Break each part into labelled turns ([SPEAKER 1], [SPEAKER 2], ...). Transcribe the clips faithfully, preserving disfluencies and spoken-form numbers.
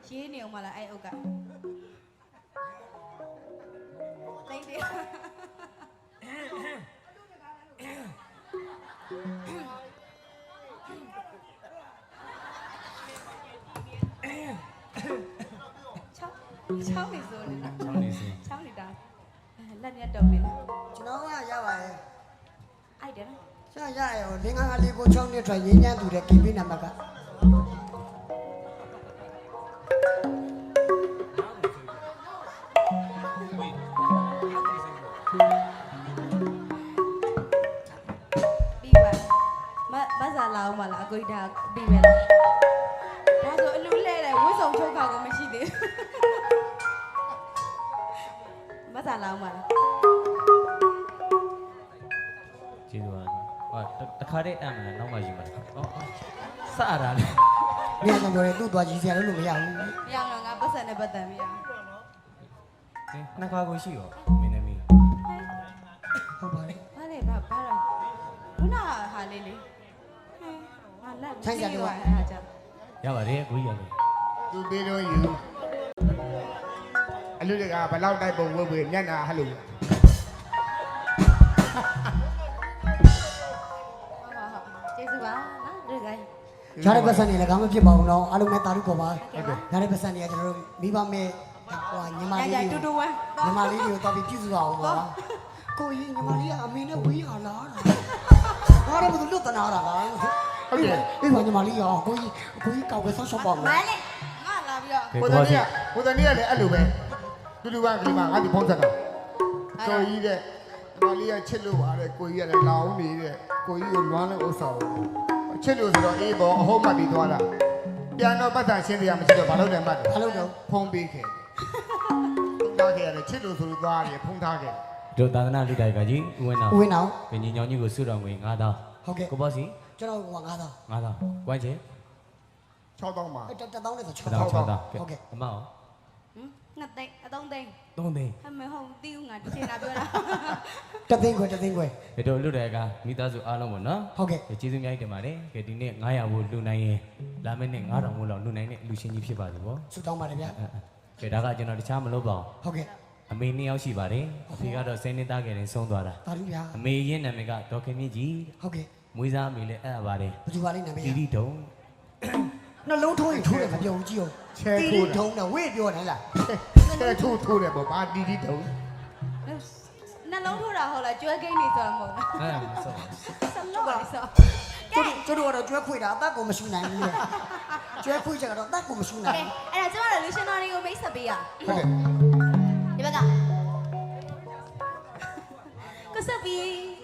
[SPEAKER 1] ရေးနေအောင်မလားအဲ့အုပ်ကတိတ်တယ်ချောင်းချောင်းနေစိုးနေတာချောင်းနေစိုးချောင်းနေတာလက်ညက်တုံနေတာ
[SPEAKER 2] ကျွန်တော်ကရပါရဲ့
[SPEAKER 1] အိုက်တယ်နော်
[SPEAKER 2] ရရရလင်းကားလေးကိုချောင်းနဲ့ထွက်ရင်းညမ်းသူတဲ့ကင်ပေးနံပါတ်က
[SPEAKER 1] ပြီးပါမမစားလာအောင်မလားအကိုဒါပြီးပဲလားဒါဆိုအလူလဲတယ်ဝှစုံချုပ်ခါကိုမရှိသေးဘူးမစားလာအောင်မလား
[SPEAKER 3] ကျေးဇူးပါဟာတခါတည်းအမှန်လားနောက်မှယူမှာဟောစရတာလေ
[SPEAKER 2] နေရာကြောင့်ပြောတယ်သူ့သွားကြည့်စရာလို့မရဘူး
[SPEAKER 1] မရတော့ငါပတ်စံနဲ့ပတ်တန်မရ
[SPEAKER 3] နှစ်ခါကိုရှိရောမင်းသမီး
[SPEAKER 2] ဟုတ်ပါလေ
[SPEAKER 1] ဘာလဲဘာဘာလဲခုနဟာလေးလေးဟဲ့ငါလက်
[SPEAKER 2] ဆိုင်ကြတယ်ကွာ
[SPEAKER 1] အဲ့ဒါကြောင့်
[SPEAKER 3] ရပါတယ်ကိုကြီးရတယ်
[SPEAKER 4] သူပေးလို့ယူအလူတကဘလောက်တိုက်ပုံဝတ်ဝတ်ညနာဟလို့
[SPEAKER 1] ကျေးဇူးပါနော်ဒီကိ
[SPEAKER 2] ရတဲ့ပတ်စံနေလည်းကောင်းမဖြစ်ပါဘူးနော်အားလုံးနဲ့တာလူပေါ်ပါရတဲ့ပတ်စံနေကကျွန်တော်တို့မိဘမဲ့ဟိုညီမလေးတွေ
[SPEAKER 1] တူတူဝမ်း
[SPEAKER 2] ညီမလေးတွေကိုတော်ပြီးပြည့်စုံအောင်ပါကိုကြီးညီမလေးကအမေနဲ့ဝေးဟာလားဘာလို့မလို့လွတ်တနာတာလား
[SPEAKER 4] ဟုတ်တယ်
[SPEAKER 2] အေးပါညီမလေးရောကိုကြီးကိုကြီးကောက်ပဲဆောက်ရှောက်ပါမယ်
[SPEAKER 1] မလေးငါလာပြီးတော့
[SPEAKER 4] ကိုတန်ကြီးကကိုတန်ကြီးကလည်းအဲ့လိုပဲတူတူပါကလေးမငါဒီဖုန်းဆက်တာတော်ကြီးတဲ့ညီမလေးကချစ်လို့ပါတဲ့ကိုကြီးကလည်းလောင်းနေတဲ့ကိုကြီးကိုလွမ်းလို့ဥစ္စာချစ်လို့ဆိုတော့အေးပေါ်အဟုတ်မှတ်ပြီးသွားတာပြန်တော့ပတ်သက်ရှင်းပြရမရှိတော့ဘာလို့လဲမှတ်တယ်
[SPEAKER 2] ဘာလို့တော့
[SPEAKER 4] ဖုန်းပေးခဲ့ထားခဲ့ရတယ်ချစ်လို့ဆိုလို့သွားတယ်ဖုန်းထားခဲ့
[SPEAKER 3] တို့သာသနာလူတိုက်ကကြီးဦးဝင်းအောင်
[SPEAKER 2] ဦးဝင်းအောင်
[SPEAKER 3] ဘင်းကြီးညောင်ကြီးကိုစုတော်ငွေငါးသောင်း
[SPEAKER 2] ဟုတ်ကဲ့
[SPEAKER 3] ကိုဘောစီ
[SPEAKER 2] ကျွန်တော်ကငါးသောင်း
[SPEAKER 3] ငါးသောင်းကွမ်းချင်
[SPEAKER 4] ခြောက်သောင်းပါ
[SPEAKER 2] အဲ့တက်တောင်းနဲ့ဆို
[SPEAKER 3] ခြောက်သောင်းဟုတ်ကဲ့အမအောင်
[SPEAKER 1] ဟမ်နှစ်သိန်းအသုံးသိန်း
[SPEAKER 3] သုံးသိန်း
[SPEAKER 1] ဟဲ့မဟုတ်တီးဦးငါတစ်ချိန်လာပြောတာ
[SPEAKER 2] တသိန်းခွဲတသိန်းခွဲ
[SPEAKER 3] တို့လူတိုက်ကမိသားစုအားလုံးပေါ့နော်
[SPEAKER 2] ဟုတ်ကဲ့
[SPEAKER 3] ကျေးဇူးများတင်ပါတယ်ကဲဒီနေ့ငါးရာဘူးလူနိုင်ရင်လာမယ့်နေ့ငါးထောင်ဘူးလောက်လူနိုင်တဲ့လူရှင်ကြီးဖြစ်ပါစေဗော
[SPEAKER 2] ဆုတောင်းပါတယ်ဗျာ
[SPEAKER 3] ကဲဒါကကျွန်တော်တခြားမလုပ်ပါ
[SPEAKER 2] ဘူးဟုတ်ကဲ့
[SPEAKER 3] အမေနှစ်ယောက်ရှိပါတယ်အဖေကတော့ဆယ်နှစ်သားငယ်ရင်ဆုံးသွားတာ
[SPEAKER 2] ပါလူဗျာ
[SPEAKER 3] အမေရင်းနာမည်ကဒေါ်ခင်မြင့်ကြီး
[SPEAKER 2] ဟုတ်ကဲ့
[SPEAKER 3] မွေးစားအမေလည်းအဲ့ဒါပါတယ်
[SPEAKER 2] ဘယ်သူပါလိမ့်နာမည်
[SPEAKER 3] တီတီတုံ
[SPEAKER 2] နှလုံးထိုးရင်ထိုးတယ်မပြောဘူးကြည့်အောင်
[SPEAKER 4] ချဲထိုး
[SPEAKER 2] ထုံးတယ်ဝေ့ပြောတယ်လား
[SPEAKER 4] ချဲထိုးထိုးတယ်ပေါ့ဘာတီတီတုံ
[SPEAKER 1] နှလုံးထိုးတာဟုတ်လားကျွဲကိန်းနေဆိုတာမဟုတ်လား
[SPEAKER 3] အဲ့ဒါမဆော
[SPEAKER 1] ဆလောပါဆော
[SPEAKER 2] ကျတို့တို့ကတော့ကျွဲခွေတာအသက်ကိုမရှိနိုင်ဘူးလေကျွဲခွေကြတော့အသက်ကိုမရှိနိုင်ဘူး
[SPEAKER 1] အဲ့ဒါကျမတို့လူရှင်တော်တွေကိုမိတ်ဆက်ပေးရ
[SPEAKER 4] ဟုတ်ကဲ့
[SPEAKER 1] ဒီဘက်ကကစပီ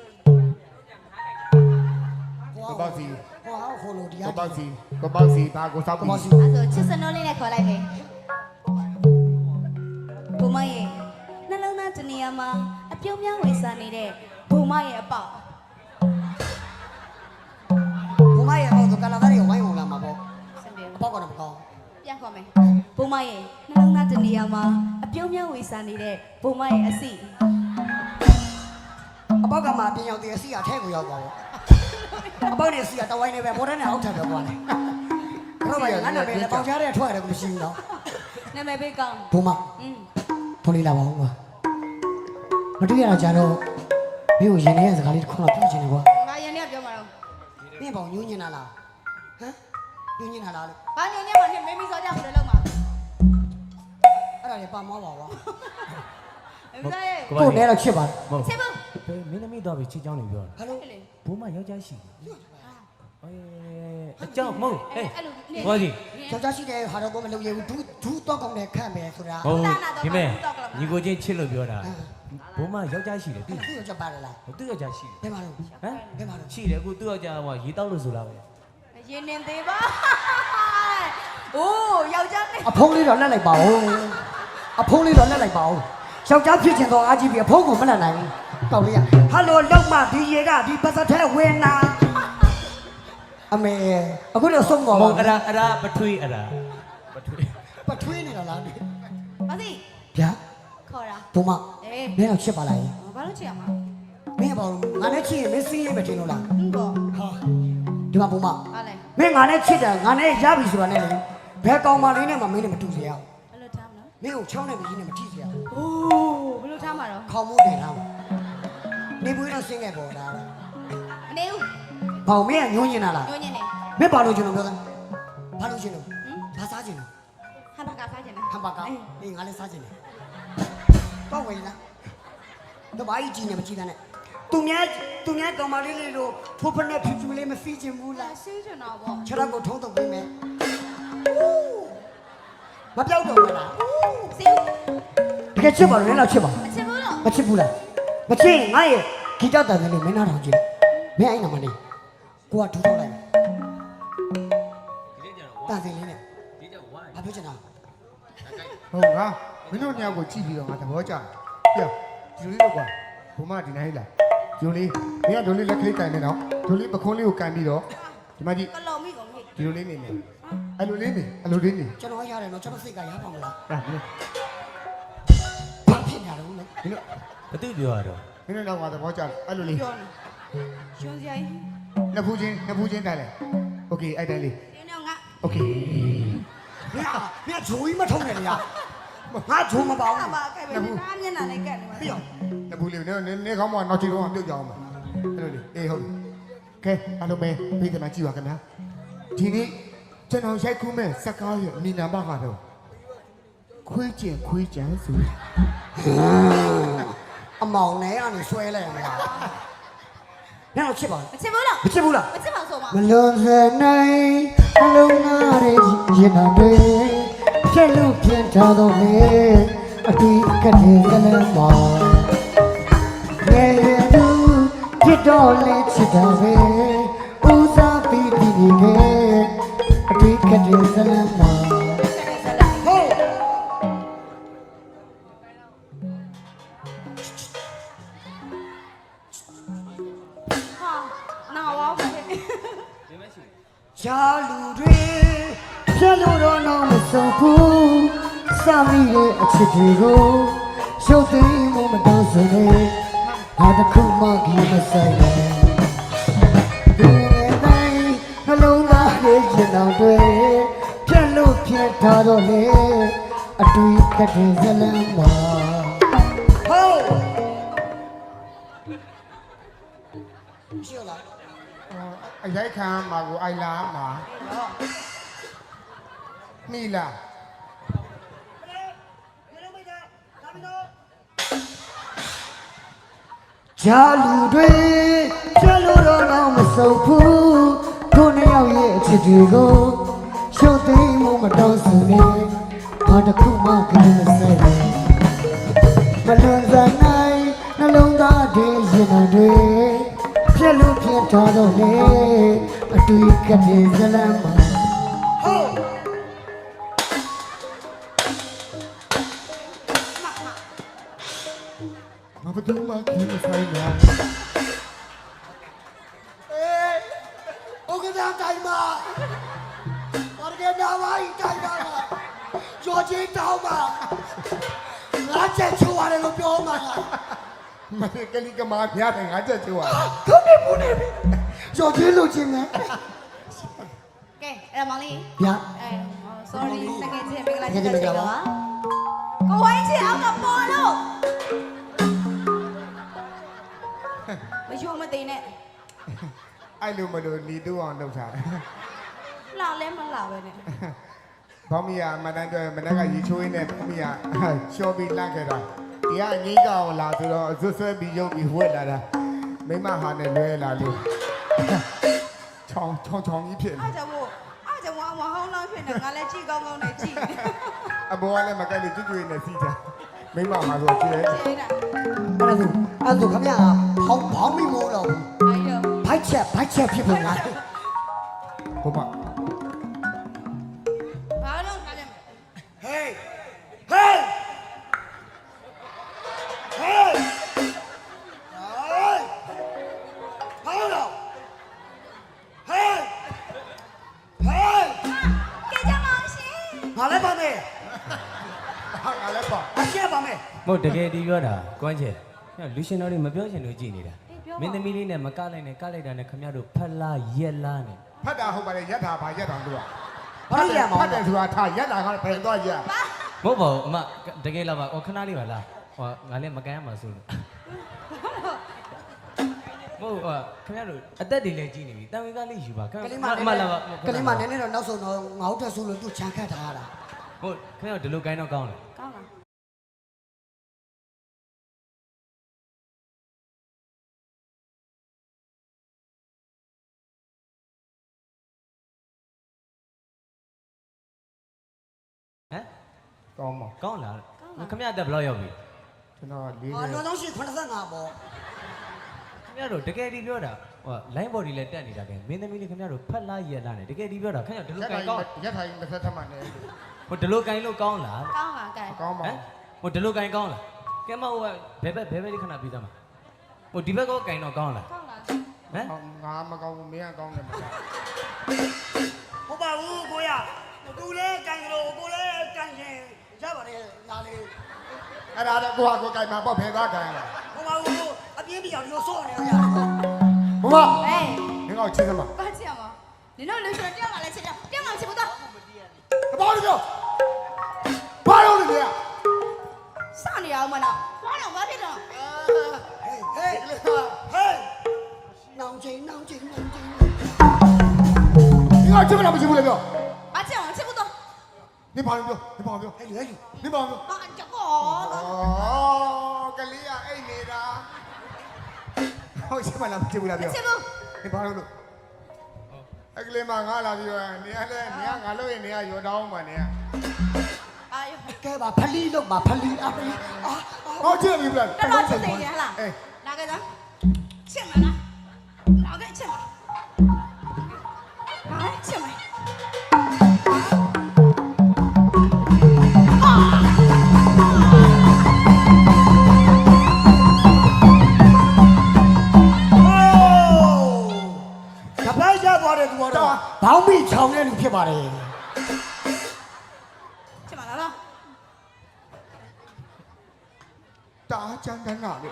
[SPEAKER 4] ကိုပေါ့စီ
[SPEAKER 2] ဟောဟောလို့ဒီ
[SPEAKER 4] ကိုပေါ့စီကိုပေါ့စီဘာကိုစောက်ပြီး
[SPEAKER 2] အဲ့
[SPEAKER 1] ဆိုချစ်စနိုးလေးနဲ့ခေါ်လိုက်မယ်ဘုမရဲ့နှလုံးသားတနေရာမှာအပြုံးများဝေစားနေတဲ့ဘုမရဲ့အပေါက်
[SPEAKER 2] ဘုမရဲ့အောက်ကကလာသားတွေဝိုင်းဝင်လာမှာပေါ့အပေါက်ကတော့မကောင်း
[SPEAKER 1] ပြန်ခေါ်မယ်ဘုမရဲ့နှလုံးသားတနေရာမှာအပြုံးများဝေစားနေတဲ့ဘုမရဲ့အစီ
[SPEAKER 2] အပေါက်ကမှပြင်ရောက်တဲ့အစီအထဲကိုရောက်သွားတော့အပေါက်နဲ့အစီကတဝိုင်းနေပဲဘောတန်းနဲ့အောက်ထပ်ပဲကွာလေတော့ဘာငါနာမည်လည်းပေါင်ချတဲ့ထွက်ရတယ်ကိုမရှိဘူးနော်
[SPEAKER 1] နာမည်ပေးကောင်း
[SPEAKER 2] ဘုမ
[SPEAKER 1] อืม
[SPEAKER 2] ဖုန်းလေးလာပါဦးကွာမတွေ့ရတော့ကြတော့မင်းကိုရင်ထဲရဲ့စကားလေးတစ်ခုတော့ပြောချင်တယ်ကွာ
[SPEAKER 1] ငါရင်ထဲပြောမှာတော့
[SPEAKER 2] မင်းပေါ့ညှိုးညင်တာလားဟမ်ညှိုးညင်တာလားလို့
[SPEAKER 1] ဘာညင်ညင်မှာနဲ့မင်းမီစောကြဘယ်လိုလုပ်မှာ
[SPEAKER 2] အဲ့ဒါလေပါမောပါကွာ
[SPEAKER 1] မင်းရဲ့
[SPEAKER 2] ကိုနဲ့တော့ချစ်ပါတယ်
[SPEAKER 1] ချစ်ဘူး
[SPEAKER 3] ဘေးမင်းသမီးတော့ပြီးချစ်ချောင်းနေပြောတာ
[SPEAKER 2] ဟယ်လို
[SPEAKER 3] ဘိုးမယောက်ျားရှိတယ်အေးအကြောင်းမဟုတ်ဟဲ့ဟောကြီး
[SPEAKER 2] ယောက်ျားရှိတယ်ဟာတော့မလုပ်ရဘူးဒူးဒူးတော့ကောင်းတယ်ခန့်မယ်ဆိုတာ
[SPEAKER 3] ဟုတ်ဒီမဲ့ညီကိုချင်းချစ်လို့ပြောတာဘိုးမယောက်ျားရှိတယ်
[SPEAKER 2] သူသူ့ယောက်ျားပါတယ်လား
[SPEAKER 3] သူ့ယောက်ျားရှိတယ်
[SPEAKER 2] ဘယ်မှာလို့ဟမ်ဘယ်မှာလို့
[SPEAKER 3] ရှိတယ်အခုသူ့ယောက်ျားကရေတောက်လို့ဆိုတာပဲ
[SPEAKER 1] ရေနေသေးပါအိုးယောက်ျားနဲ့
[SPEAKER 2] အဖုံးလေးတော့လက်လိုက်ပါဦးအဖုံးလေးတော့လက်လိုက်ပါဦးယောက်ျားဖြစ်ချင်တော့အားကြီးပြီအဖုံးကိုမလက်နိုင်ဘူးကောက်လေးရဟယ်လိုလောက်မဒီရေကဒီပတ်သက်ထဲဝင်နာအမေအခုတော့ဆုံးသွား
[SPEAKER 3] ပါဘူးအဲ့ဒါအဲ့ဒါပထွေးအဲ့ဒါ
[SPEAKER 2] ပထွေးပထွေးနေတာလား
[SPEAKER 1] ဘာစီ
[SPEAKER 2] ဗျာ
[SPEAKER 1] ခေါ်တာ
[SPEAKER 2] ဘုမအေးမင်းတော့ချစ်ပါလား
[SPEAKER 1] ဘာလို့ချစ်ရမှာ
[SPEAKER 2] မင်းဘာလို့ငါနဲ့ချစ်ရင်မင်းစီးရေးပဲတင်လို့လား
[SPEAKER 1] ဟုတ်ပါ
[SPEAKER 2] ဟာဒီမှာဘုမ
[SPEAKER 1] ဟာလေ
[SPEAKER 2] မင်းငါနဲ့ချစ်တယ်ငါနဲ့ရပြီဆိုတာနဲ့လေဘယ်ကောင်မလေးနဲ့မှမင်းနဲ့မတူစေရအောင်
[SPEAKER 1] ဘယ်လိုထားမလို့
[SPEAKER 2] မင်းကိုချောင်းနဲ့မကြီးနဲ့မထိစေရအောင်
[SPEAKER 1] အိုးဘယ်လိုထားမှာတော့
[SPEAKER 2] ခေါင်းမိုးတင်ထားမှာနေပွေးတော့ဆင်းခဲ့ပေါ်တာ
[SPEAKER 1] အနေဦး
[SPEAKER 2] ဘောင်မင်းကညှိုးညင်တာလား
[SPEAKER 1] ညိုညင်းနေ
[SPEAKER 2] မင်းဘာလို့ကျွန်တော်ပြောတာဘာလို့ရှင်လို့
[SPEAKER 1] ဟင်
[SPEAKER 2] ဘာစားခြင်းလဲ
[SPEAKER 1] ဟမ်ဘာကာစားကျင်
[SPEAKER 2] ဟမ်ဘာကောအေးငါလည်းစားခြင်းလေတော့ဝင်လားတော့ဘာကြီးကြီးနေမကြည့်တဲ့နဲ့သူများသူများကောင်မလေးလေးတို့ဖိုးဖနဲ့ဖြူဖြူလေးမစီးခြင်းဘူး
[SPEAKER 1] လာ
[SPEAKER 2] လား
[SPEAKER 1] ဆေးချင်တော့ပေါ့
[SPEAKER 2] ခြေထောက်ကိုထုံးထုတ်ပေးမယ်မပြောက်တော့ဘူးလား
[SPEAKER 1] ဆေး
[SPEAKER 2] တကယ်ချစ်ပါလို့လည်းတော့ချစ်ပါ
[SPEAKER 1] မချစ်ဘူးတော့
[SPEAKER 2] မချစ်ဘူးလားမချစ်ငါရဲ့ဂီတတန်တယ်လို့မင်းနားထောင်ကြည့်မင်းအဲ့နာမလေးကိုကထူထောက်လိုက်
[SPEAKER 3] ဒီနေ့ကျတော့
[SPEAKER 2] တန်တယ်လေးနဲ့
[SPEAKER 3] ဒီကျဝိုင်း
[SPEAKER 2] ဘာပြောချင်တာ
[SPEAKER 4] ဟုတ်ငါမင်းတို့ညောက်ကိုကြည့်ပြီးတော့ငါသဘောကျတယ်ပြဒီလိုလေးတော့ကွာဘုမဒီနိုင်လားဒီလိုလေးမင်းကဒီလိုလေးလက်ခလေးကန်နေတော့ဒီလိုလေးပခုံးလေးကိုကန်ပြီးတော့ဒီမှာကြည့်
[SPEAKER 1] ကလော်မိကုန်ပြီ
[SPEAKER 4] ဒီလိုလေးနေနေအဲ့လိုလေးနေအဲ့လိုလေးနေ
[SPEAKER 2] ကျွန်တော်ရတယ်နော်ကျွန်တော်စိတ်ကရပါမလား
[SPEAKER 4] ဟာမင်း
[SPEAKER 2] ဘာဖြစ်နေရတော့လဲ
[SPEAKER 4] မင်းတို့
[SPEAKER 3] ဘသူပြောရတော့
[SPEAKER 4] မင်းတို့တော့ငါသဘောကျတယ်အဲ့လိုလေး
[SPEAKER 1] ပြောနေရှင်စရာကြီး
[SPEAKER 4] နှစ်ဖူးချင်းနှစ်ဖူးချင်းတိုင်လေโอเคအဲ့တိုင်လေး
[SPEAKER 1] ဒီနေ့ငါ
[SPEAKER 4] โอเค
[SPEAKER 2] မင်းကမင်းကဂျိုးကြီးမထုံးနဲ့လေငါဂျိုးမပေါ
[SPEAKER 1] ဘာ
[SPEAKER 2] ဘူး
[SPEAKER 1] ဘာခဲ့ပဲနားမျက်နှာနဲ့ကတ်နေမှာ
[SPEAKER 2] ပြီးတော့
[SPEAKER 4] နှစ်ဖူးလေးနေနေကောင်းမနောက်ချီတော့ပြုတ်ကြအောင်ပါအဲ့လိုလေးအေးဟုတ်ပြီကဲအားလုံးပဲပြီးတယ်မှာကြည့်ပါခင်ဗျာဒီနေ့ကျွန်တော်ရိုက်ကူးမဲ့စကားရဲ့မိနာမကတော့ခွေးကျင်ခွေးကြံဆို
[SPEAKER 2] အမောင်နဲ့ကနေဆွဲလိုက်ရမလားညတော့ချစ်ပါ
[SPEAKER 1] မချစ်ဘူးတော့
[SPEAKER 2] မချစ်ဘူးလား
[SPEAKER 1] မချစ်ပါဆိုမှာ
[SPEAKER 2] မလွန်စနိုင်အလုံးသားရဲ့ရင်နာတွေဖြက်လို့ပြင်ထားတော့လေအတီးကတည်းကလည်းမောင်ငယ်ရသူဖြစ်တော့လေချစ်တာပဲဦးစားပြီးပြီးနေခဲ့အတီးကတည်းကလည်းမောင်ဟေး
[SPEAKER 1] ဟာနာဝါပဲ
[SPEAKER 3] ဒီမရှိ
[SPEAKER 2] ရှားလူတွေဖြက်လို့တော့တော့မဆုံးဘူးစမိရဲ့အချစ်တွေကိုရှုပ်သိမ်းမှုမတောင်းဆိုနဲ့ငါတစ်ခုမှကြီးမဆိုင်နဲ့ဒီနေ့တိုင်းနှလုံးသားရဲ့ရင်တော်တွေဖြက်လို့ဖြက်ထားတော့လေအတွေ့ကတည်းကလည်းမဟုတ်ရှိလား
[SPEAKER 4] အရိုက်ခံမှာကိုအိုင်လာမှာမိလား
[SPEAKER 2] ဂျာလူတွေကျလို့တော့တော့မဆုံးဘူးကိုနှစ်ယောက်ရဲ့အချစ်တွေကိုရှုပ်သိမ်းမှုမတော်စုနဲ့ဘာတစ်ခုမှကလေးမဆိုင်ဘူးမလွန်စနိုင်နှလုံးသားတွေရင်တော်တွေပြက်လို့ပြက်ထားတော့လေအတွေ့ကတည်းကလည်းမဟုတ်
[SPEAKER 4] ငါဘယ်သူမှခင်မဆိုင်လား
[SPEAKER 2] အေးโอเคဒါတိုင်းမှာဘာကဲနာဝိုင်းတိုင်းမှာကြော်ချင်းတောင်းမှာငါချက်ချိုးရတယ်လို့ပြောမှာ
[SPEAKER 4] မင်းကလေးကမာပြတယ်ငါချက်ချိုးရ
[SPEAKER 2] ခုနေဘူးနေပြီကြော်ချင်းလို့ချင်းနဲ့
[SPEAKER 1] ကဲအဲ့ဒါမောင်လေး
[SPEAKER 2] ဗျာ
[SPEAKER 1] အဲ sorry တကယ်ချင်းမင်္ဂလာချစ်တဲ့ချိန်တော့ပါကိုဝိုင်းချစ်အောင်ကပေါ်လို့မယုံမသိနဲ့
[SPEAKER 4] အဲ့လိုမလို့ညီတူအောင်လုပ်ထားတယ်
[SPEAKER 1] လာလဲမလာပဲနဲ့
[SPEAKER 4] ဘောမီယာမတန်းတော့မနက်ကရေချိုးရင်းနဲ့ဘောမီယာရှော့ပြီးလန့်ခဲ့တာဒီကအငိမ့်ကောင်လာဆိုတော့ဆွဆွဲပြီးရုပ်ပြီးဝက်လာတာမိမဟာနဲ့လွဲလာလို့ချောင်းချောင်းချောင်းကြီးဖြစ်နေ
[SPEAKER 1] အားကြောင့်မို့အားကြောင့်ဝါဟောင်းလောင်းဖြစ်နေငါလည်းကြည့်ကောင်းကောင်းနဲ့ကြည့်နေ
[SPEAKER 4] အဘောကလည်းမကက်လို့ကျွတ်ကျွေးနေစီးတာမိမဟာဆိုကျဲ
[SPEAKER 1] ကြည့်တာ
[SPEAKER 2] အဲ့ဒါဆိုအဲ့ဒါခမရဘောင်းဘောင်းမိမိုးတော့
[SPEAKER 1] အဲ့တော့
[SPEAKER 2] ဘိုက်ချက်ဘိုက်ချက်ဖြစ်ပုံလား
[SPEAKER 4] ဘုမ
[SPEAKER 1] ဘာလို့ခါလဲ
[SPEAKER 2] ဟေးဟေးဟေးဟေးဟေးတော့ဟေးဟေး
[SPEAKER 1] ကဲကြမောင်ရှင်
[SPEAKER 2] ငါလည်းပါမယ်
[SPEAKER 4] ဟာငါလည်းပါ
[SPEAKER 2] အရှက်ပါမယ်
[SPEAKER 3] မဟုတ်တကယ်ဒီပြောတာကွမ်းချေလူရှင်တော်တွေမပြောချင်လို့ကြည်နေတာမင်းသမီးလေးနဲ့မကလိုက်နဲ့ကလိုက်တာနဲ့ခမရတို့ဖက်လာရက်လာနဲ့
[SPEAKER 4] ဖတ်တာဟုတ်ပါတယ်ရက်တာပါရက်တာတို့က
[SPEAKER 2] ဘာလို့ရမှာ
[SPEAKER 4] ဖတ်တယ်ဆိုတာထားရက်လာကဖယ်သွားကြ
[SPEAKER 3] မဟုတ်ပါဘူးအမတကယ်လားပါဟိုခဏလေးပါလားဟိုငါလည်းမကန်ရမှာဆိုလို့မဟုတ်ဟာခင်ဗျားတို့အသက်တွေလည်းကြီးနေပြီတန်ဝေကလေးယူပါခင်
[SPEAKER 2] ကလေးမ
[SPEAKER 3] ဗျာအမလာပါ
[SPEAKER 2] ကလေးမနည်းနည်းတော့နောက်ဆုံးတော့ငါ့ထက်ဆိုလို့သူချန်ခတ်ထားတာ
[SPEAKER 3] ဟုတ်ခင်ဗျားတို့ဒီလိုကိုင်းတော့ကောင်းတယ်
[SPEAKER 1] ကောင်းလား
[SPEAKER 3] ဟမ်
[SPEAKER 4] ကောင်းပါ
[SPEAKER 3] ကောင်းလားခင်ဗျားအသက်ဘယ်လောက်ရောက်ပြီ
[SPEAKER 4] ကျွန်တော်လေး
[SPEAKER 2] အော်
[SPEAKER 4] နေ
[SPEAKER 2] နောက်ဆုံးရှိ85ပေါ့
[SPEAKER 3] ခင်ဗျားတို့တကယ်ဒီပြောတာဟို line body လည်းတက်နေတာကဲမင်းသမီးလေးခင်ဗျားတို့ဖက်လာရက်လာနေတကယ်ဒီပြောတာခင်ဗျားဒီလို
[SPEAKER 4] ရက်
[SPEAKER 3] ကို
[SPEAKER 4] ထို
[SPEAKER 3] င်း
[SPEAKER 4] င်
[SPEAKER 3] ကောင်း
[SPEAKER 4] ရက်ထိုင်တစ်ဖက်ထပ်မှနေ
[SPEAKER 3] ဟိုဒီလိုကိုင်းလို့ကောင်းလား
[SPEAKER 1] ကောင်းပါကဲ
[SPEAKER 4] ကောင်းပါ
[SPEAKER 3] ဟမ်ဟိုဒီလိုကိုင်းကောင်းလားကဲမဟိုဘယ်ဘက်ဘယ်ဘက်လေးခဏပြီးသားမှာဟိုဒီဘက်ကောကိုင်းတော့ကောင်းလား
[SPEAKER 1] ကောင်းလား
[SPEAKER 3] ဟမ်
[SPEAKER 4] ငါမကောင်းဘူးမင်းကကောင်းတယ်မလား
[SPEAKER 2] ဟုတ်ပါဘူးကိုရသူလည်းကန်ကြလို့ကိုလည်းကန်ရှင်ရပါတယ်လာလေ
[SPEAKER 4] အဲ့ဒါတော့ကိုကကိုကြိုက်မှာပေါ့ဖယ်သွားကြရလား
[SPEAKER 2] ဟုတ်ပါဘူးအပြင်းပြအောင်လို့စော့နေရ
[SPEAKER 4] ဘုမ
[SPEAKER 1] ဟေး
[SPEAKER 4] မင်းကချင်းစမ်းပါ
[SPEAKER 1] ဘာချင်အောင်နင်တို့လူရှင်တက်လာလဲချက်တက်တက်မှချက်ဘူးတော့
[SPEAKER 4] တပေါင်းလို့ဘာလို့လဲဗျာ
[SPEAKER 1] စနေအောင်မနော်ဘာတော့ဘာဖြစ်တော့
[SPEAKER 2] ဟေးဟေးဟေးနောင်ချင်းနောင်ချင်းနောင်ချင်း
[SPEAKER 4] 你看这边怎么进不来表？
[SPEAKER 1] ဘာချက်အောင်ချက်ဘူးတော့
[SPEAKER 4] 你跑没表？你跑没表？
[SPEAKER 2] ဟဲ့လေဟဲ့
[SPEAKER 4] 你跑没表？
[SPEAKER 1] ဘာချက်ကော
[SPEAKER 4] 哦，个你呀，爱你的。我这边怎么进不来表？
[SPEAKER 1] ချက်ဘူး
[SPEAKER 4] 你跑路。哎，个你妈俺那边，你看嘞，你看俺老人，你看有刀吗？你。
[SPEAKER 1] အာယ
[SPEAKER 2] ကဲပါဖလီလို့ပါဖလီအဖလီအာ
[SPEAKER 4] 好，这边不来。
[SPEAKER 1] တော်တော်ချက်သေးတယ်ဟလား
[SPEAKER 4] 哎，
[SPEAKER 1] လာခဲ့သားချက်မလားလာခဲ့ချက်မလာချက်မ
[SPEAKER 2] တပတ်ရသွားတဲ့သူကတော့ဘောင်းမိချောင်တဲ့လူဖြစ်ပါတယ်
[SPEAKER 1] ချက်မလားတော့
[SPEAKER 4] 打江南哪里？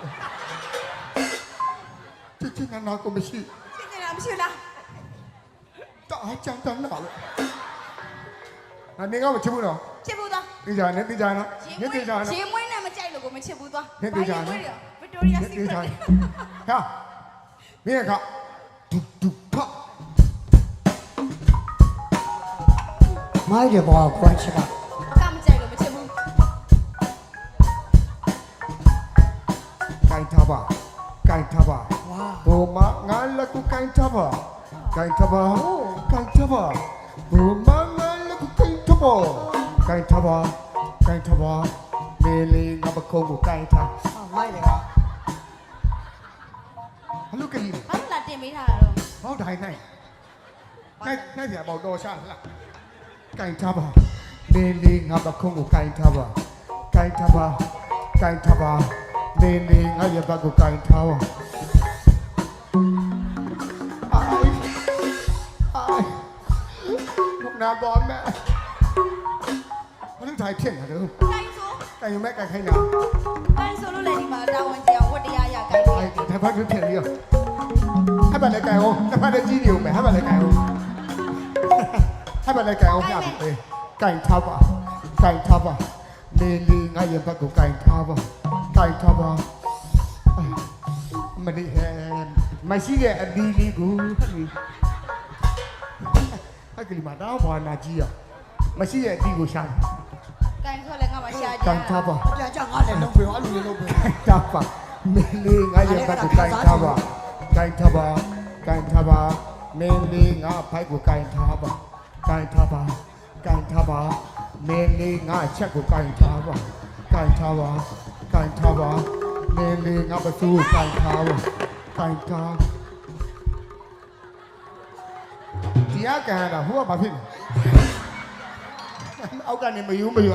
[SPEAKER 4] 这江南哪个没去？
[SPEAKER 1] ချက်နေတာမရှိလား
[SPEAKER 4] 打江南哪里？啊，你看我进不了。
[SPEAKER 1] ချက်ဘူးတော့
[SPEAKER 4] 你讲，你你讲呢？你你讲呢？
[SPEAKER 1] ရေမွေးနဲ့မကြိုက်လို့ကိုမချက်ဘူးသွား
[SPEAKER 4] ဟဲ့တေချာနော်
[SPEAKER 1] ဗစ်တိုးရီယာ
[SPEAKER 4] 你
[SPEAKER 1] စီ
[SPEAKER 4] 你
[SPEAKER 1] ကရ
[SPEAKER 4] 讲
[SPEAKER 1] က်
[SPEAKER 4] 呢？看，你也看，嘟嘟啪。
[SPEAKER 2] မိုက်တယ်ဘောကွမ်းချက်က
[SPEAKER 1] ကမကြိုက်လို့မချက်ဘူး
[SPEAKER 4] 干他吧，干他吧，
[SPEAKER 2] ဝါ
[SPEAKER 4] 我妈俺那个干他吧，干他吧，干他吧，我妈俺那个干他吧，干他吧，干他吧，妹妹俺不空不干他，
[SPEAKER 2] မိုက်တယ်က
[SPEAKER 4] 还有个你，
[SPEAKER 1] ဘာလို့လာတင်ပေးထားတာတော့
[SPEAKER 4] 好歹那，那那点包多下了，干他吧，妹妹俺不空不干他吧，干他吧，干他吧，妹妹俺也不干他吧。 ไอ้ไอ้ลูกน้ำบอลแม่มันต้องถ่ายเที่ยงเหรอเด้อ
[SPEAKER 1] ကိုင်းဆို
[SPEAKER 4] ไก่ยังแม่ไก่ใครหนา
[SPEAKER 1] ကိုင်းဆိုလို့လည်းဒီမှာတာဝန်ကြောင်ဝတ်တရားရကိုင်း
[SPEAKER 4] ไอ้ถ่ายพัดเที่ยงเดียวให้บัตรเลยไก่โอ้ให้บัตรเลยจี้เดียวแม่ให้บัตรเลยไก่โอ้ให้บัตรเลยไก่โอ้พี่อาบเอ้ไก่ทับอ่ะไก่ทับอ่ะเมลีง่ายยังบักกูไก่ทับอ่ะไก่ทับอ่ะมันนี่แฮมไม่ใช่แกอดีลีกูไอ้กลิมาดาวบอลนาจีอ่ะไม่ใช่แกอดีกูช่าง
[SPEAKER 1] ကိုင်းဆိုလည်းငါမရှာကြ
[SPEAKER 4] ไก่ทับอ่ะ
[SPEAKER 2] ကြာကြာငါလည်းလုံးပြောအဲ့လိုလုံးပြော
[SPEAKER 4] Kain tapa, meli ngaya baku kain tapa, kain tapa, kain tapa, meli nga pai ku kain tapa, kain tapa, kain tapa, meli nga chat ku kain tapa, kain tapa, kain tapa, meli nga basu kain tapa, kain tapa. Dia kan ada, hua apa pun. Aku kan ni mayu mayu.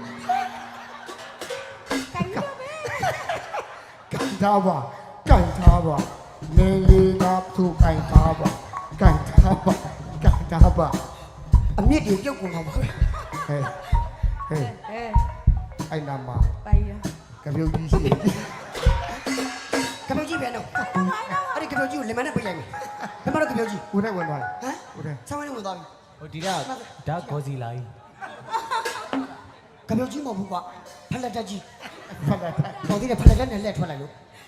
[SPEAKER 1] ကိုင်းလို့ပဲ
[SPEAKER 4] 干他吧，干他吧，妹妹拿出干他吧，干他吧，干他吧，
[SPEAKER 2] အမြင့်တွေပြုတ်ကုန်တော့ပါ
[SPEAKER 4] 嘿，嘿，
[SPEAKER 1] အဲ
[SPEAKER 4] 哎那嘛，
[SPEAKER 1] ပိုင်ရ
[SPEAKER 4] 可别有意思，
[SPEAKER 2] ကပြောကြီးပြန်တော့အဲ့ဒီကပြောကြီးကိုလင်မနဲ့ပြလိုက်မယ်လင်မတို့ကပြောကြီး
[SPEAKER 4] 我在问他，
[SPEAKER 2] ဟမ်
[SPEAKER 4] 我在，
[SPEAKER 2] ဆောင်းဝင်းဝင်သွားပြီ
[SPEAKER 3] ဟိုဒီကဒါဂေါ်စီလာကြီး
[SPEAKER 2] ကပြောကြီးမဟုတ်ဘူးကွာဖလက်တက်ကြီး
[SPEAKER 4] ဖတ်လိုက်
[SPEAKER 2] ပေါ်သေးတယ်ဖလက်တက်နဲ့လက်ထွက်လိုက်လို့